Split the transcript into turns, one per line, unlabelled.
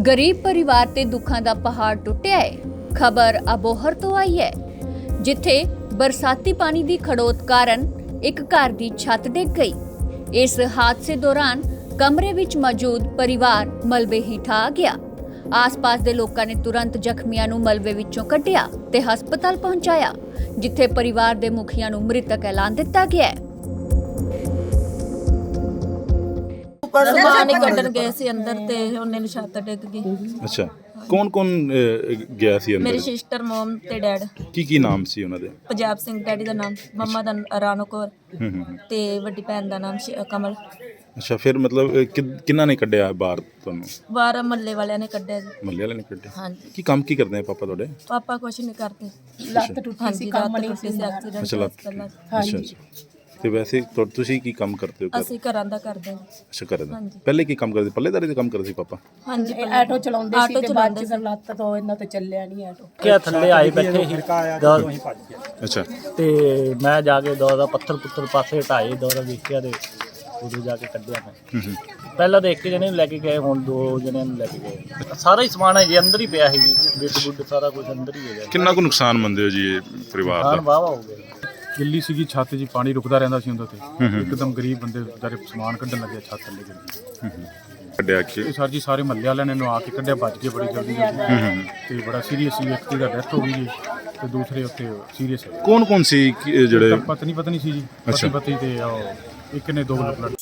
गरीब परिवार ते दुखां दा पहाड़ टुटिया है। खबर अबोहर तो आई है, जिथे बरसाती पानी दी खड़ोत कारण एक घर दी छत डिग गई। इस हादसे दौरान कमरे विच मौजूद परिवार मलबे हेठ आ गया। आस-पास दे लोकां ने तुरंत जख्मियां नूं मलबे विचों कढिया ते हस्पताल पहुंचाया, जिथे परिवार दे मुखिया नूं मृतक ऐलान दिता गया है।
समान ही कड्ढण गए सी अंदर ते ਉਹਨੇ ਨੂੰ ਛੱਤ ਡਿੱਗ ਗਈ।
ਅੱਛਾ, ਕੌਣ ਗਿਆ ਸੀ ਅੰਦਰ?
ਮੇਰੀ ਸਿਸਟਰ, ਮਮ ਤੇ ਡੈਡ।
ਕੀ ਨਾਮ ਸੀ ਉਹਨਾਂ ਦੇ?
ਪੰਜਾਬ ਸਿੰਘ ਡੈਡੀ ਦਾ ਨਾਮ, ਮੰਮਾ ਦਾ ਰਾਣੋ ਕੌਰ ਤੇ ਵੱਡੀ ਭੈਣ ਦਾ ਨਾਮ ਕਮਲ।
ਅੱਛਾ, ਫਿਰ ਮਤਲਬ ਕਿੰਨਾ ਨੇ ਕੱਢਿਆ ਬਾਹਰ ਤੁਹਾਨੂੰ?
ਬਾਹਰ ਮੱਲੇ ਵਾਲਿਆਂ ਨੇ ਕੱਢਿਆ ਜੀ।
ਮੱਲੇ ਵਾਲਿਆਂ ਨੇ ਕੱਢਿਆ?
ਹਾਂਜੀ।
ਕੀ ਕੰਮ ਕੀ ਕਰਦੇ ਆ ਪਾਪਾ ਤੁਹਾਡੇ?
ਪਾਪਾ ਕੁਛ ਨਹੀਂ ਕਰਦੇ। ਲੱਤ ਟੁੱਟੀ ਸੀ, ਕੰਮ ਨਹੀਂ ਸੀ, ਐਕਸੀਡੈਂਟ
ਅੱਛਾ, ਲੱਤ
ਪਹਿਲਾਂ।
ਅੱਛਾ। ਤੇ ਵੈਸੇ ਤੁਸੀਂ ਕੀ ਕੰਮ ਕਰਦੇ ਹੋ?
ਅਸੀਂ ਘਰਾਂ ਦਾ ਕਰਦੇ ਹਾਂ।
ਅੱਛਾ, ਕਰਦੇ ਹੋ।
ਹਾਂਜੀ।
ਪਹਿਲੇ ਕੀ ਕੰਮ ਕਰਦੇ? ਪੱਲੇਦਾਰੀ ਦਾ ਕੰਮ ਕਰਦੇ ਸੀ ਪਾਪਾ?
ਹਾਂਜੀ,
ਆਟੋ ਚਲਾਉਂਦੇ ਸੀ ਤੇ ਬਾਅਦ ਚ ਲੱਤ ਤੋਂ ਇਹਨਾਂ ਤੇ ਚੱਲਿਆ ਨਹੀਂ ਆਟੋ।
ਕਿਆ ਥੱਲੇ ਆਏ ਬੈਠੇ ਸੀ
ਅੱਛਾ।
ਤੇ ਮੈਂ ਜਾ ਕੇ ਦੌਰਾ ਪੱਥਰ ਪੁੱਤਰ ਪਾਸੇ ਹਟਾਏ, ਦੌਰਾ ਵੇਖਿਆ ਤੇ ਉਦੋਂ ਜਾ ਕੇ ਕੱਢਿਆ ਮੈਂ। ਪਹਿਲਾਂ ਤਾਂ ਇੱਕ ਜਣੇ ਨੂੰ ਲੈ ਕੇ ਗਏ, ਹੁਣ ਦੋ ਜਣਿਆਂ ਨੂੰ ਲੈ ਕੇ ਗਏ। ਸਾਰਾ ਹੀ ਸਮਾਨ ਹੈ ਜੀ ਅੰਦਰ ਹੀ ਪਿਆ ਸੀ ਜੀ, ਬਿੱਡ ਬੁੱਡ ਸਾਰਾ ਕੁਝ ਅੰਦਰ ਹੀ ਹੈਗਾ।
ਕਿੰਨਾ ਕੁ ਨੁਕਸਾਨ ਮੰਨਦੇ ਹੋ ਜੀ ਇਹ ਪਰਿਵਾਰ
ਨੁਕਸਾਨ
ਦਾ?
ਵਾਹਵਾ ਹੋ ਗਿਆ।
ਗਿੱਲੀ ਸੀਗੀ ਛੱਤ ਜੀ, ਪਾਣੀ ਰੁਕਦਾ ਰਹਿੰਦਾ ਸੀ ਉਹਦੇ ਤੇ। ਇੱਕਦਮ ਗਰੀਬ ਬੰਦੇ ਵਿਚਾਰੇ ਸਮਾਨ ਕੱਢਣ ਲੱਗੇ, ਛੱਤ ਥੱਲੇ ਗਿਰ ਗਈ।
ਕੱਢਿਆ ਕਿ
ਇਹ ਸਰ ਜੀ ਸਾਰੇ ਮਹੱਲੇ ਵਾਲਿਆਂ ਨੇ ਆ ਕੇ ਕੱਢਿਆ, ਬਚ ਗਏ ਬੜੀ ਜਲਦੀ ਤੇ ਬੜਾ ਸੀਰੀਅਸ ਸੀ। ਇੱਕ ਦੀ ਦਾ ਡੈਥ ਹੋ ਗਈ ਜੀ ਤੇ ਦੂਸਰੇ ਉੱਤੇ ਸੀਰੀਅਸ ਹੈ।
ਕੌਣ ਸੀ ਜਿਹੜੇ?
ਪਤਨੀ ਸੀ ਜੀ, ਪਤੀ ਤੇ ਇੱਕ ਨੇ ਦੋ ਬਲੱਡ